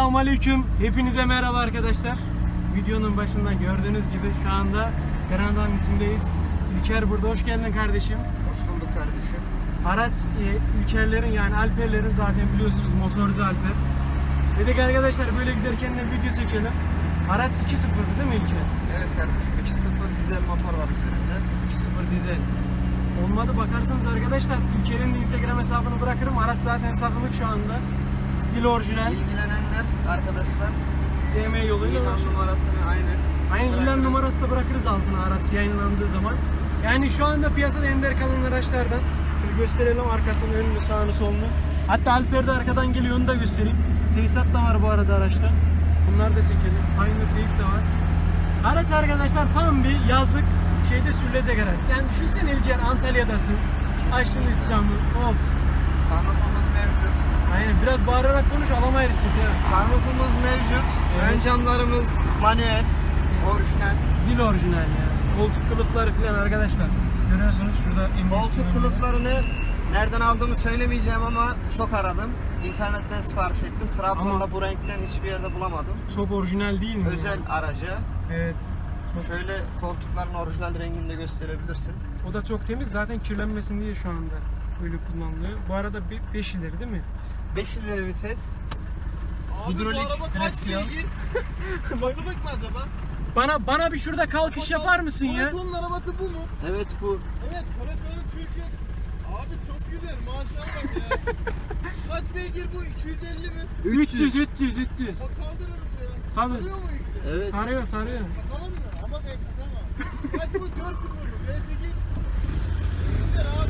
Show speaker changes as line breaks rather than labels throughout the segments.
Selamünaleyküm. Hepinize merhaba arkadaşlar. Videonun başında gördüğünüz gibi şu anda Granada'nın içindeyiz. İlker burada. Hoş geldin kardeşim.
Hoş bulduk kardeşim.
Araç İlkerlerin yani Alperlerin zaten biliyorsunuz motorcu Alper. Dedik arkadaşlar böyle giderken de video çekelim. Araç 2.0'dı değil mi İlker?
Evet kardeşim, 2.0 dizel motor var üzerinde.
2.0 dizel. Olmadı bakarsanız arkadaşlar İlker'in de Instagram hesabını bırakırım. Araç zaten satılık şu anda. Sil orijinal.
İlgilenenler arkadaşlar
DM yoluyla
ilan numarasını aynen
ilan
bırakırız.
numarası da bırakırız altına araç yayınlandığı zaman. Yani şu anda piyasada ender kalan araçlardan. Şöyle gösterelim arkasını, önünü, sağını, solunu. Hatta Alper de arkadan geliyor, onu da göstereyim. Tesisat da var bu arada araçta. Bunları da çekelim. Aynı teyip de var. Araç arkadaşlar tam bir yazlık şeyde sürülecek araç. Yani düşünsene İlker, Antalya'dasın. Açtın camı. Of.
Sunroofumuz mevcut.
Aynen, biraz bağırarak konuş, alamayız sizi.
Sunroofumuz mevcut.
Evet.
Ön camlarımız manuel, orijinal.
Zil orijinal ya. Koltuk kılıfları falan arkadaşlar. Görüyorsunuz şurada.
Koltuk kılıflarını nereden aldığımı söylemeyeceğim ama çok aradım. İnternetten sipariş ettim. Trabzon'da
Ama
bu renkten hiçbir yerde bulamadım.
çok orijinal değil mi?
Özel aracı.
Evet. Çok.
Şöyle koltukların orijinal rengini de gösterebilirsin.
O da çok temiz. Zaten kirlenmesin diye şu anda böyle kullanılıyor. Bu arada 5 ileri değil mi?
5 ileri vites.
Abi
Hidrolik
bu araba kaç
direksiyon.
beygir? Satılık mı acaba?
Bana bir şurada kalkış yapar mısın ya?
Toretto'nun arabası bu mu?
Evet bu.
Evet, Toretto'nun Türkiye. Abi çok güzel, maşallah ya. Kaç beygir bu? 250 mi?
300.
Bak kaldırırım ya.
Tabii.
Sarıyor mu ilk?
Evet.
Sarıyor.
Satalım mı? Ama ben satamam. Kaç bu? 4.0 mu? V8. Güzel abi.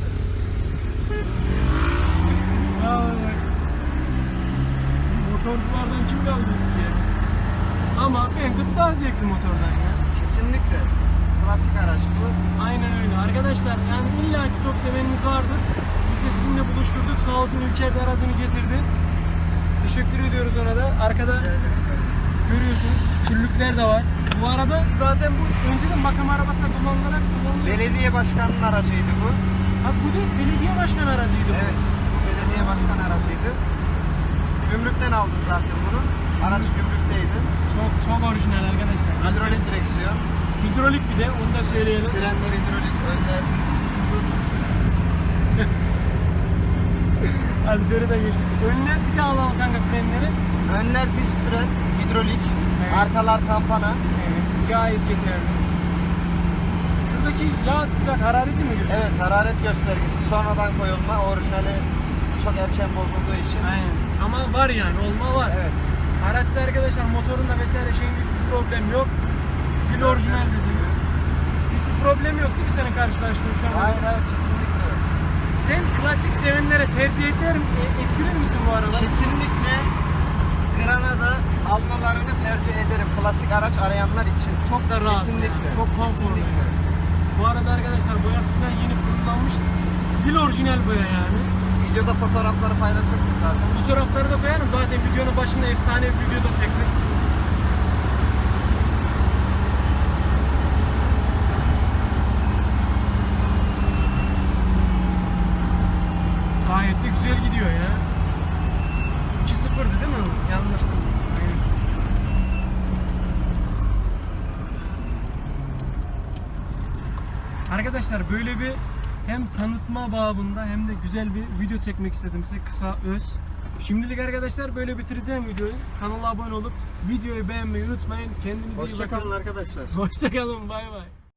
Ya bak. Motorculardan kim kaldı eskiye? Ama bence bu daha zevkli motordan ya.
Kesinlikle. Klasik araç bu.
Aynen öyle. Arkadaşlar yani illaki çok seveniniz vardır. Biz de sizinle buluşturduk. Sağ olsun İlker de aracını getirdi. Teşekkür ediyoruz ona da. Arkada görüyorsunuz küllükler de var. Bu arada zaten bu önceden makam arabası da kullanılıyor.
Belediye başkanının aracıydı bu.
Ha bu değil, belediye başkanı aracıydı bu.
Evet. Bu belediye başkan aracıydı. Gümrükten aldım zaten bunu. Araç gümrükteydi.
Çok orijinal arkadaşlar.
Hidrolik direksiyon.
Hidrolik bir de, onu da söyleyelim.
Frenler hidrolik. Önler disk.
Alper'i de geçtik. Önüne bir daha alalım kanka frenleri.
Önler disk fren. Hidrolik.
Evet.
Arkalar kampana.
Evet, gayet yeterli. Şuradaki yağ sıcak harareti mi gösteriyor?
Evet, hararet göstergesi. Sonradan koyulma. Orijinali çok erken bozulduğu için.
Aynen. Ama var yani, olma var.
Evet.
Araçta arkadaşlar motorunda vesaire şeyin hiçbir problem yok. Sil orijinal dediğimiz. Hiçbir problem yok değil mi senin karşılaştığın şu an?
Hayır hayır, kesinlikle yok.
Sen klasik sevenlere tercih ettirir misin bu araba?
Kesinlikle Granada almalarını tercih ederim. Klasik araç arayanlar için.
Çok da rahat.
Kesinlikle.
Yani. Çok konforlu.
Kesinlikle.
Bu arada arkadaşlar boyası falan yeni fırınlanmış. Zil orijinal boya yani.
Videoda fotoğrafları paylaşırsın zaten.
Fotoğrafları da koyarım. Zaten videonun başında efsane bir video da çektik. Gayet de güzel gidiyor ya. 2.0'dı değil mi? Yanlış. Aynen. Arkadaşlar böyle bir hem tanıtma babında hem de güzel bir video çekmek istedim size, kısa öz. Şimdilik arkadaşlar böyle bitireceğim videoyu. Kanala abone olup videoyu beğenmeyi unutmayın. Kendinize iyi bakın.
Hoşça kalın arkadaşlar.
Hoşça kalın. Bay bay.